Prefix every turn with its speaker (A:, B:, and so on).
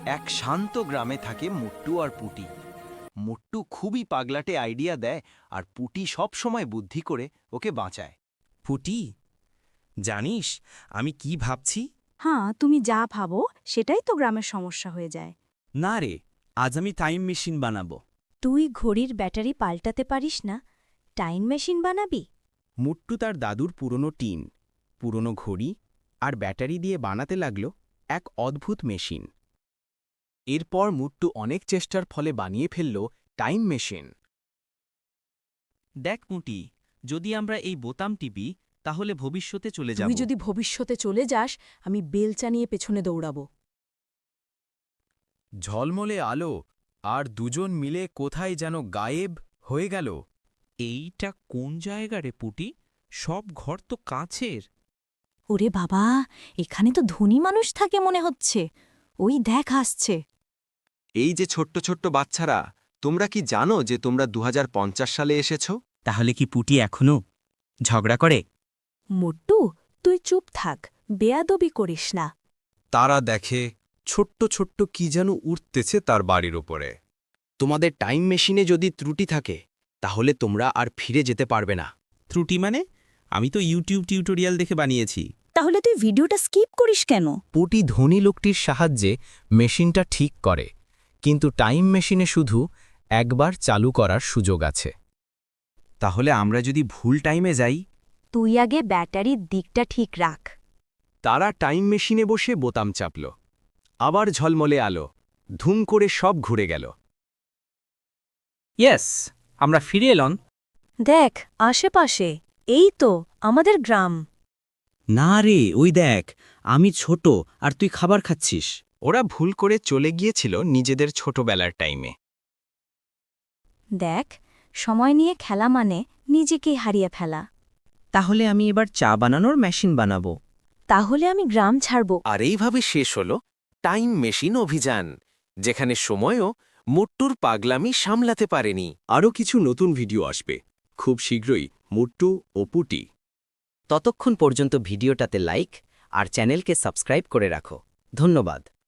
A: এক শান্ত গ্রামে থাকে মুট্টু আর পুটি। মুট্টু খুবই পাগলাটে আইডিয়া দেয় আর পুটি সব সময় বুদ্ধি করে ওকে বাঁচায়।
B: পুটি, জানিস আমি কি ভাবছি?
C: হ্যাঁ, তুমি যা ভাবো সেটাই তো গ্রামের সমস্যা হয়ে যায়।
B: না রে, আজ আমি টাইম মেশিন বানাবো।
C: তুই ঘড়ির ব্যাটারি পাল্টাতে পারিস না, টাইম মেশিন বানাবি?
B: মুট্টু তার দাদুর পুরনো টিন, পুরনো ঘড়ি আর ব্যাটারি দিয়ে বানাতে লাগল এক অদ্ভুত মেশিন। এরপর মুট্টু অনেক চেষ্টার ফলে বানিয়ে ফেলল টাইম মেশিন। দেখ মুটি, যদি আমরা এই বোতাম টিপি তাহলে ভবিষ্যতে চলে যাব।
C: তুই যদি ভবিষ্যতে চলে যাস, আমি বেলচা নিয়ে পেছনে দৌড়াবো।
B: ঝলমলে আলো আর দুজন মিলে কোথায় যেন গায়েব হয়ে গেল। এইটা কোন জায়গা রে পুটি? সব ঘর তো কাছের।
C: ওরে বাবা, এখানে তো ধনী মানুষ থাকে মনে হচ্ছে। ওই দেখ আসছে।
A: এই যে ছোট্ট ছোট্ট বাচ্চারা, তোমরা কি জানো যে তোমরা 2050 সালে এসেছো?
B: তাহলে কি পুটি এখনো ঝগড়া করে?
C: মোট্টু, তুই চুপ থাক, বেয়াদবি করিস না।
D: তারা দেখে ছোট্ট ছোট্ট কি যেন উঠতেছে তার বাড়ির ওপরে।
B: তোমাদের টাইম মেশিনে যদি ত্রুটি থাকে তাহলে তোমরা আর ফিরে যেতে পারবে না। ত্রুটি মানে? আমি তো ইউটিউব টিউটোরিয়াল দেখে বানিয়েছি।
C: তাহলে তুই ভিডিওটা স্কিপ করিস কেন?
B: পুটি ধনী লোকটির সাহায্যে মেশিনটা ঠিক করে, কিন্তু টাইম মেশিনে শুধু একবার চালু করার সুযোগ আছে। তাহলে আমরা যদি ভুল টাইমে যাই?
C: তুই আগে ব্যাটারির দিকটা ঠিক রাখ।
D: তারা টাইম মেশিনে বসে বোতাম চাপল। আবার ঝলমলে আলো, ধুম করে সব ঘুরে গেল।
B: ইয়েস, আমরা ফিরে এলাম।
C: দেখ আশেপাশে, এই তো আমাদের গ্রাম।
B: না রে, ওই দেখ, আমি ছোট আর তুই খাবার খাচ্ছিস।
D: ওরা ভুল করে চলে গিয়েছিল নিজেদের ছোটবেলার টাইমে।
C: দেখ, সময় নিয়ে খেলা মানে নিজেকেই হারিয়ে ফেলা।
B: তাহলে আমি এবার চা বানানোর মেশিন বানাবো।
C: তাহলে আমি গ্রাম ছাড়ব।
D: আর এইভাবে শেষ হল টাইম মেশিন অভিযান, যেখানে সময়ও মুট্টুর পাগলামি সামলাতে পারেনি। আরও কিছু নতুন ভিডিও আসবে খুব শীঘ্রই, মুট্টু ও পুটি।
B: ততক্ষণ পর্যন্ত ভিডিওটাতে লাইক আর চ্যানেলকে সাবস্ক্রাইব করে রাখো। ধন্যবাদ।